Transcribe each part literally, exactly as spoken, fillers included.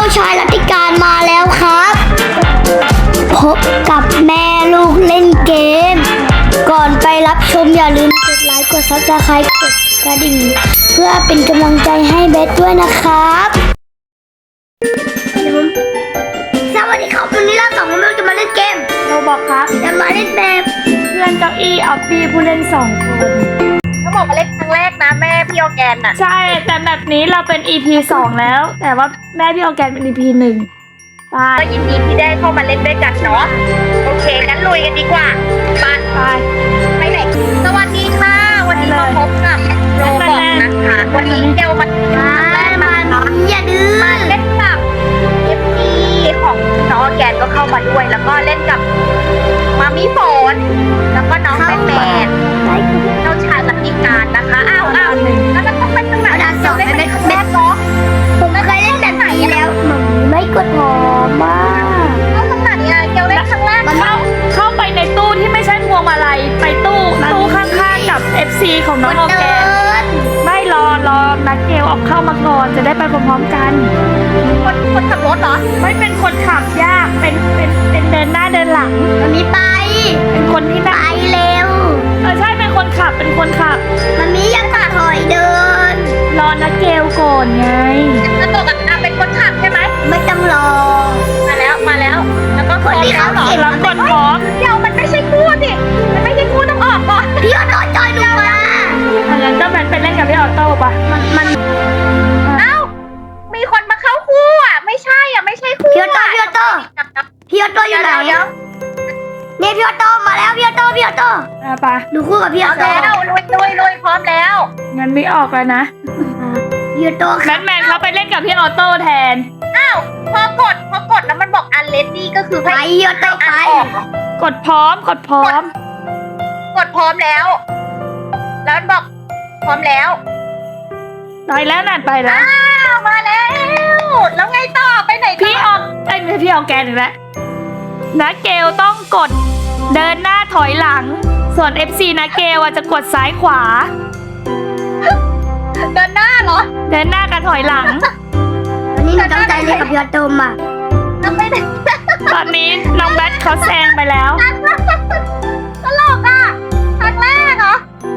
ชายรัติการมาแล้วครับพบกับแม่ลูกเล่นเกมก่อนไปรับชมอย่าลืมกดไลค์กดซับสไครต์กดกระดิ่งเพื่อเป็นกำลังใจให้เบสด้วยนะครับสวัสดีครับวันนี้เราสองคนจะมาเล่นเกมเราบอกครับจะมาเล่นแบบเพื่อนเก้าอี้ออฟฟี่ผู้เล่นสองคนเขาบอกมาเล่นครั้งแรกนะแม่พี่ออร์แกนน่ะใช่แต่แบบนี้เราเป็น อี พี สองแล้ว แต่ว่าแม่พี่ออร์แกนเป็น อี พี หนึ่งไปก็ยินดีที่ได้เข้ามาเล่นด้วยกันเนาะโอเคงั้นลุยกันดีกว่าไปไปไปไหนสวัสดีค่ะวันนี้มาพบกับโรบอกนะคะวันนี้เดลมามาอย่าดื้อมาเล่นกับเอฟซีของน้องออร์แกนก็เข้ามาด้วยแล้วก็เล่นกับมามิฝนแล้วก็น้องแมนแมนเจ้าชายรัติการนะคะอ้าวอ้าวแล้วมันต้องเป็นตรงไหนด่านสองเป็นแรกเนาะผมเคยเล่นแบบไหนแล้วมันไม่กดหอมมากเอาตรงไหนอะเกลเล่นครั้งแรกมันเข้าเข้าไปในตู้ที่ไม่ใช่พวงมาลัยไปตู้ตู้ข้างๆกับ เอฟ ซี ของน้องออร์แกนไม่รอรอนักเกลออกเข้ามาก่อนจะได้ไปพร้อมๆกันคนคนขับรถเหรอไม่เป็นคนขับยากเป็นเป็นเป็นเดินหน้าเดินหลังมันมีไปเป็นคนที่ไปเร็วเออใช่เป็นคนขับเป็นคนขับมันมียังตัดถอยเดินรอนักเกลก่อนไงแล้วตัวกับอาเป็นคนขับใช่ไหมไม่ต้องรอมาแล้วมาแล้วแล้วก็คนที่เขาเหรอรับกดพร้อมเดี๋ยวมันไม่ใช่คู่สิมันไม่ใช่คู่ต้องออกก่อนพี่ออโต้จอยดูมางั้นก็มันเป็นเล่นกับพี่ออโต้ปะมันมันเอ้ามีคนมาเข้าคู่อ่ะไม่ใช่อ่ะไม่ใช่คู่พี่ออโต้พี่ออโต้พี่ออโต้อยู่ไหนเนี่ยพี่ออโต้มาแล้วพี่ออโต้พี่ออโต้อ่ะปะดูคู่กับพี่ออโต้แล้วลุยลุยลุยพร้อมแล้วงั้นไม่ออกแล้วนะพี่ออโต้แบทแมนเขาไปเล่นกับพี่ออโต้แทนอ้าวพอกดพอกดแล้วมันบอกอันเลดดี้ก็คือไปพี่ออโต้ไปกดพร้อมกดพร้อมกดพร้อมแล้วแล้วมันบอกพร้อมแล้วไปแล้วนั่นไปแล้วอ้าวมาแล้วแล้วไงต่อไปไหนพี่ออกไอ้ไม่ใช่พี่ออกแกนอีกแล้วนะเกลต้องกดเดินหน้าถอยหลังส่วน เอฟ ซี นะเกลจะกดซ้ายขวาเดินหน้าเหรอเดินหน้ากับถอยหลังวันนี้หนูต้องใจเลยกับพี่ออโต้อ่ะตอนนี้น้องแบทเขาแซงไปแล้วตลกอ่ะครั้งแรกเหรอ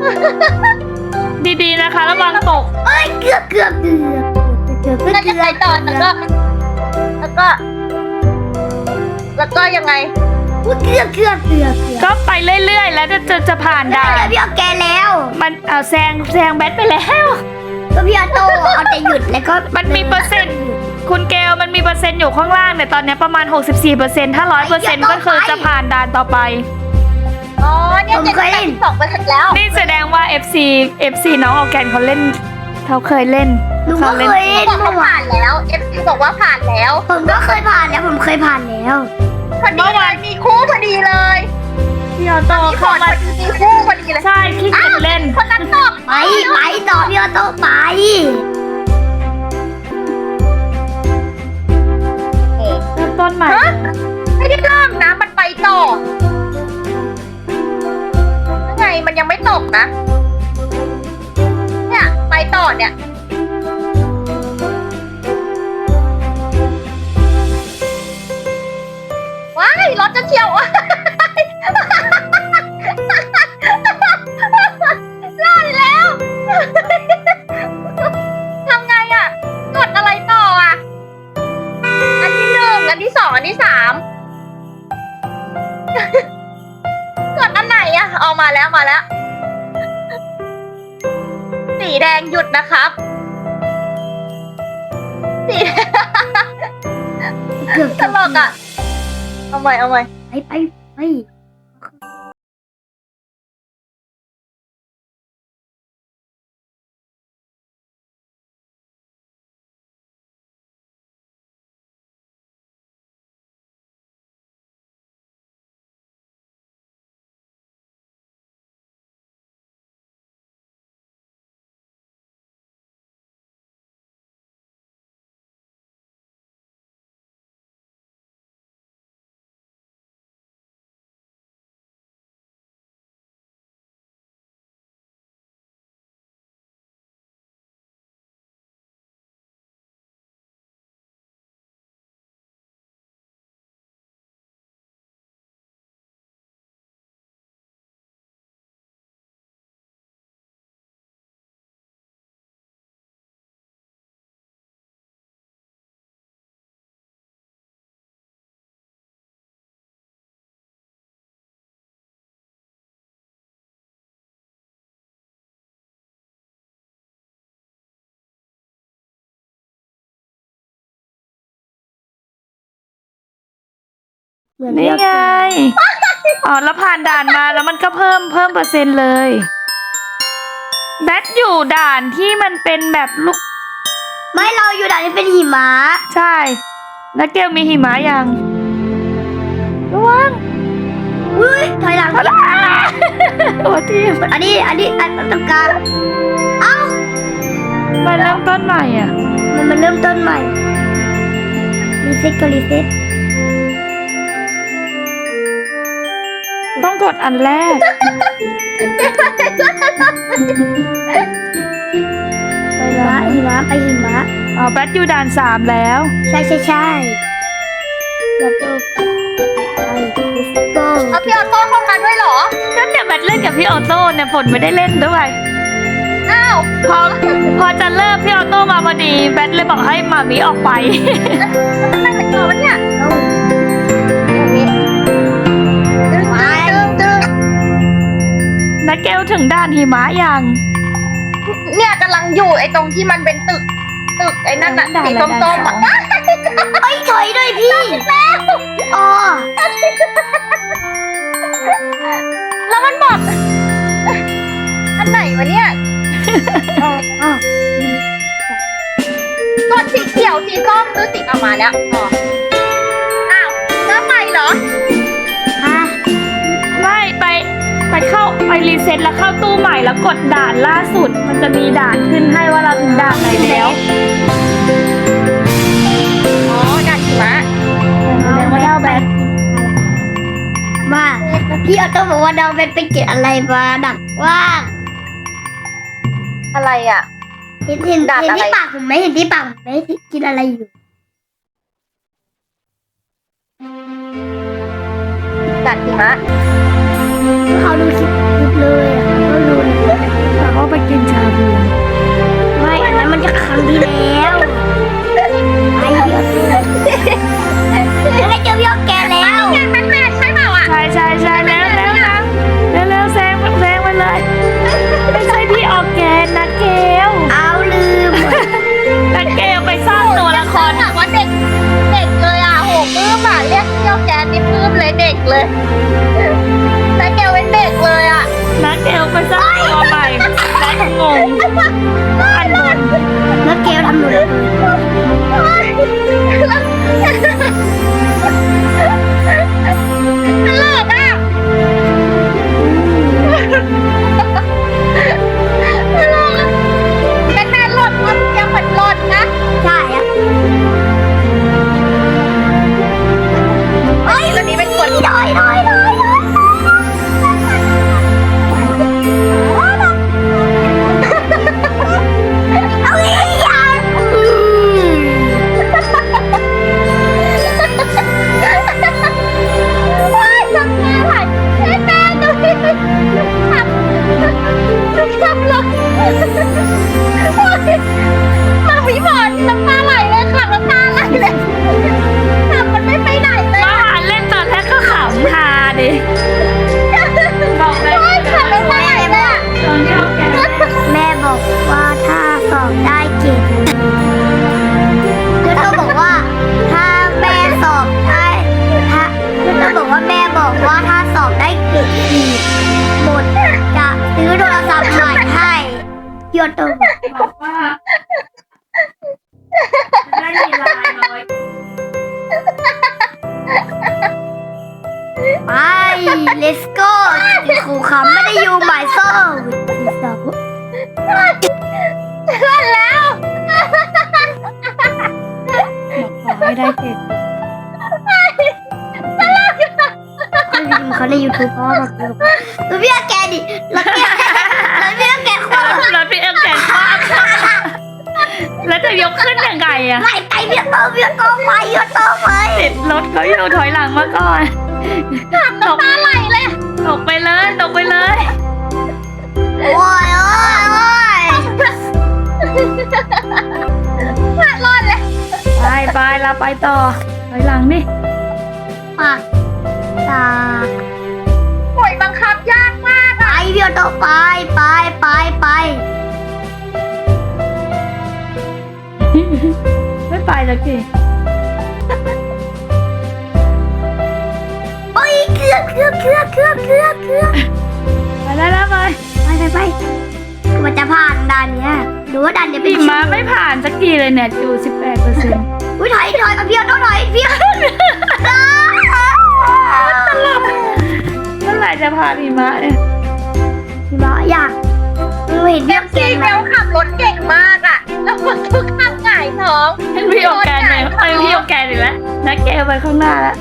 ดีๆนะคะระวังตกเอ้ยเกือบเกือบเกือบเกือบแล้วจะไปต่อแล้วก็แล้วก็แล้วก็ยังไงเกือบเกือบเกือบก็ไปเรื่อยๆแล้วจะจะจะผ่านได้พี่ออแกแล้วมันเอาแซงแซงแบทไปแล้วก็พี่ออโต้เอาแต่หยุดแล้วก็มันมีเปอร์เซ็นต์คุณเกลมันมีเปอร์เซ็นต์อยู่ข้างล่างเนี่ยตอนนี้ประมาณ หกสิบสี่เปอร์เซ็นต์ ถ้า ร้อยเปอร์เซ็นต์ ก็คือจะผ่านด่านต่อไปอ๋อเนี่ยเจ็ดสิบสองเปอร์เซ็นต์แล้วนี่แสดงว่า เอฟ ซี เอฟ ซี น้องออร์แกนเขาเล่นเขาเคยเล่นเขาเล่นเขาผ่านแล้ว เอฟ ซี บอกว่าผ่านแล้วผมก็เคยผ่านแล้วผมเคยผ่านแล้วพอดีเลยมีคู่พอดีเลยพี่ออโต้เข้ามามีคู่พอดีเลยใช่ขี้เกียจเล่นคนนั้นตอบไปไปต่อพี่ออโต้ไปเริ่มต้นใหม่ไม่ได้เริ่มนะมันไปต่อยังไงมันยังไม่ตกนะเนี่ยไปต่อเนี่ยว้ายรถจะเฉียวรอดแล้วทำไงอ่ะกดอะไรต่ออ่ะอันที่หนึ่งอันที่สองอันที่สามกดอันไหนอ่ะเอามาแล้วมาแล้วสีแดงหยุดนะครับสีตลกอ่ะเอาใหม่เอาใหม่ไปไปไปเหมือนนี่เลือกไง อ๋อแล้วผ่านด่านมาแล้วมันก็เพิ่มเพิ่มเปอร์เซ็นต์เลยแบทอยู่ด่านที่มันเป็นแบบลูกไม่เราอยู่ด่านที่เป็นหิมะใช่แล้วเกลมีหิมะยังระวังอุ้ยถอยหลังโอ้ทีมอันนี้อันนี้อันตรงกลางเอ้ามาเริ่มต้นใหม่อ่ะมันมันเริ่มต้นใหม่รีเซ็ตก็รีเซ็ตต้องกดอันแรกไปละหิมะไปหิมะอ๋อแบทอยู่ด่านสามแล้วใช่ใช่ใช่แล้วก็ไปดิสโก้เอาพี่ออโต้เข้ามาด้วยเหรอก็เนี่ยแบทเล่นกับพี่ออโต้เนี่ยฝนไม่ได้เล่นด้วยอ้าวพอพอจะเลิกพี่ออโต้มาพอดีแบทเลยบอกให้มามีออกไปทำไมมันเกิดวะเนี่ยไปนักเกลถึงด่านหิมะยังเนี่ยกำลังอยู่ไอ้ตรงที่มันเป็นตึกตึกไอ้นั่นน่ะสีส้มๆอ่ะเอ้ยถอยด้วยพี่อ๋อแล้วมันบอกอันไหนวะเนี่ยอ๋อกดสีเขียวสีส้มหรือสีออกมาแล้วอ๋ออ้าวเริ่มใหม่เหรอฮะไม่ไปไปเข้าไปรีเซ็ตแล้วเข้าตู้ใหม่แล้วกดด่านล่าสุดมันจะมีด่านขึ้นให้ว่าเราถึงด่านไหนแล้วอ๋อด่านหิมะแล้วก็เล่าแบทมาพี่ออโต้บอกว่าเราเป็นไปเก็บอะไรมาดักว่าอะไรอ่ะเห็นเห็นด่านเห็นอะไรที่ปากผมไหมเห็นที่ปากผมไหมกินอะไรอยู่ด่านหิมะเขาดูคลิปคลิปเลยอ่ะเขาดูเลยแล้วก็ไปกินชาบูไม่อันนั้นมันจะครั้งที่แล้วไอ้เดียวแล้วก็เจอพี่ออแกแล้วแกเป็นแม่ใช่เปล่าอ่ะใช่ใช่ใช่แล้วแล้วนะแล้วแล้วแซงแซงไปเลยไม่ใช่พี่ออร์แกนนะเกลเอาลืมนักเกลไปสร้างตัวละครแบบว่าเด็กเด็กเลยอ่ะโหปลื้มอ่ะเรียกเจ้าแกนนี่ปลื้มเลยเด็กเลยนักเกลเป็นเด็กเลยอ่ะนักเกลไปสร้างตัวใหม่นักงงอันบนแล้วเกลทำหนูเลยตลกอ่ะตลกอ่ะเป็นแม่หล่นมันยังเหมือนหล่นนะใช่อะเฮ้ยตอนนี้เป็นคนหน่อยหน่อยหน่อยหน่อยเอาอีกอย่างอืมว้ายทำแม่ไหลแม่แม่ดูดิขับขับรถมาวิบอนน้ำตาไหลเลยค่ะน้ำตาไหลเลยขับมันไม่ไปไหนเลยมาหาเล่นตอนแรกก็ขำฮาดิบอกเลยขับไม่ไปไหนเลยอะตอนที่เราแกแม่บอกว่าถ้าสอบได้เกรดแล้วก็บอกว่าถ้าแม่สอบได้ถ้าแล้วก็บอกว่าแม่บอกว่าถ้าสอบได้เกรดสี่หมดจะซื้อโทรศัพท์ใหม่ให้พี่ออโต้บอกบอกว่าได้มีลายน้อยไป let's go ครูคำไม่ได้อยู่หมายโซ่สอบเพื่อนแล้วขอให้ได้เกรดเขาใน YouTube พ่อบอกดูดูพี่อาแกดิแล้วพี่แล้วพี่อาแกคว้าแล้วพี่เอ็มแก่คว้าแล้วจะยกขึ้นยังไงอะไม่ไกลพี่อาโต้พี่อาโต้ไปพี่อาโต้ไปติดรถเขาอยู่ถอยหลังมาก่อนตกตาไหลเลยตกไปเลยตกไปเลยโอ้ยโอ้ยโอ้ยรอดเลยไปไปเราไปต่อถอยหลังนี่ปากตาโอยบังคับยากมากไปพี่อาโต้ไปไปไปไปไม่ไปแล้วสิรื่องเครื่องเครื่องเครื่องเครื่องเครื่องไปแล้วแล้วไปไปไปไปมันจะผ่านด่านเนี้ยหรือว่าด่านเนี้ยเป็นหิมะไม่ผ่านสักทีเลยเนี่ยอยู่สิบแปดเปอร์เซ็นต์อุ้ยถอยถอยเอาพี่เอาถอยพี่เมื่อไหร่จะผ่านหิมะเนี่ยพี่บ้าอยากเราเห็นเอพี่ฟแกซีนเบลขับรถเก่งมากอ่ะ แล้วคนทุกข้างหงายท้องให้พี่โอแกนไปเอ้ยพี่โอแกนอีกแล้วนักแกไปข้างหน้าแล้ว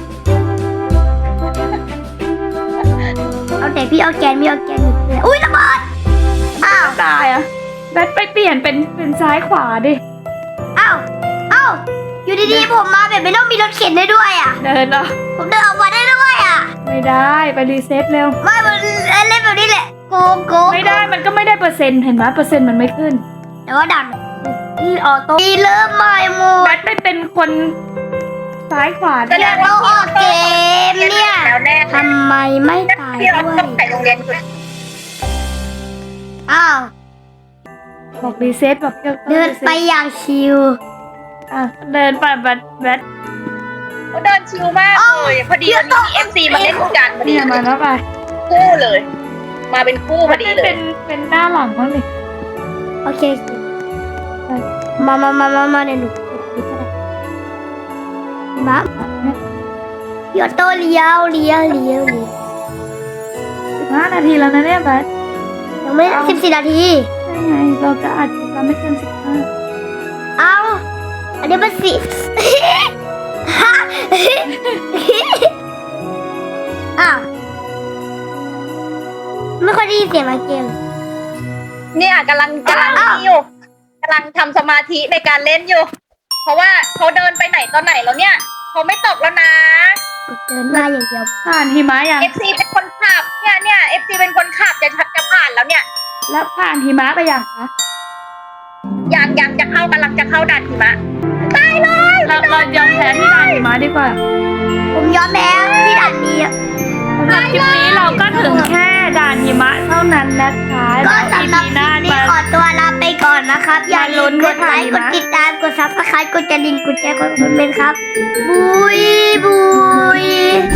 เอาแต่พี่เอาแกนพี่เอาแกนอยู่เลยอุ้ยระเบิดอ้าวตายอ่ะแบทไปเปลี่ยนเป็นเป็นซ้ายขวาดิอ้าวอ้าวอยู่ดีๆผมมาแบบไม่ต้องมีรถเข็นได้ด้วยอ่ะเดินเหรอผมเดินออกมาได้ด้วยอ่ะไม่ได้ไปรีเซ็ตเร็วไม่มันเล่นแบบนี้แหละโกงโกงไม่ได้มันก็ไม่ได้เปอร์เซ็นต์เห็นไหมเปอร์เซ็นต์มันไม่ขึ้นแต่ว่าดันที่ออโต้มีเริ่มใหม่หมแบดทไปเป็นคนซ้ายขวาแสดิดงว่าเราออกเกมเนี่ยแล้วแน่ทำไมไม่ตายพี่เราด้วต้อย งไปโรงเรียนคุณอ้าวบอกรีเซ็ตบอกเดี๋ยวเดินไปอย่างชิวอ่ะเดินไปแบทแบทเขาเดินชิลมากเลยพอดีวันนี้เอฟซีมาเล่นกันพอดีเนี่ยมาแล้วไปคู่เลย มาเป็นคู่พอดีเลเป็ยนเป็นหน้าหลังบ้างดิโอเคมามามามามาเดี๋ยวหนูมาหยอดโตเลี้ยวเลี้ยวเลี้ยวเลี้ยวสิบห้านาทีแล้วนะเนี่ยแบทยังไม่สิบสี่นาทีใช่ไงเราจะอัดคลิปเราไม่เกินสิบห้าเอาอันนี้มันสิ อ้าวไม่ค่อยได้ยินเสียงมาเกมเนี่ยกำลังกำลังนี่อยู่กำลังทำสมาธิในการเล่นอยู่ เพราะว่าเขาเดินไปไหนตอนไหนแล้วเนี่ยเขาไม่ตกแล้วนะกดเดินหน้าอย่างเดียวผ่านหิมะยังเอฟซีเป็นคนขับเนี่ยเนี่ยเอฟซีเป็นคนขับจะชักจะผ่านแล้วเนี่ยแล้วผ่านหิมะไปยังคะยังยังจะเข้ากำลังจะเข้าด่านหิมะตายเลยเราเรายอมแพ้ที่ด่านหิมะดีกว่าผมยอมแพ้ที่ด่านนี้สำหรับคลิปนี้เราก็ถึงแค่ด่านหิมะเท่านั้นนะคะก็แล้วสำหรับอีคหน้าลิปนี้มาขอตัวลาไปก่อนนะครับ อย่าลืมกดไลค์มากดติดตามกดซับสไครต์กดกระดิ่งกดแชร์กดคอมเมนต์ครับ บุยบุย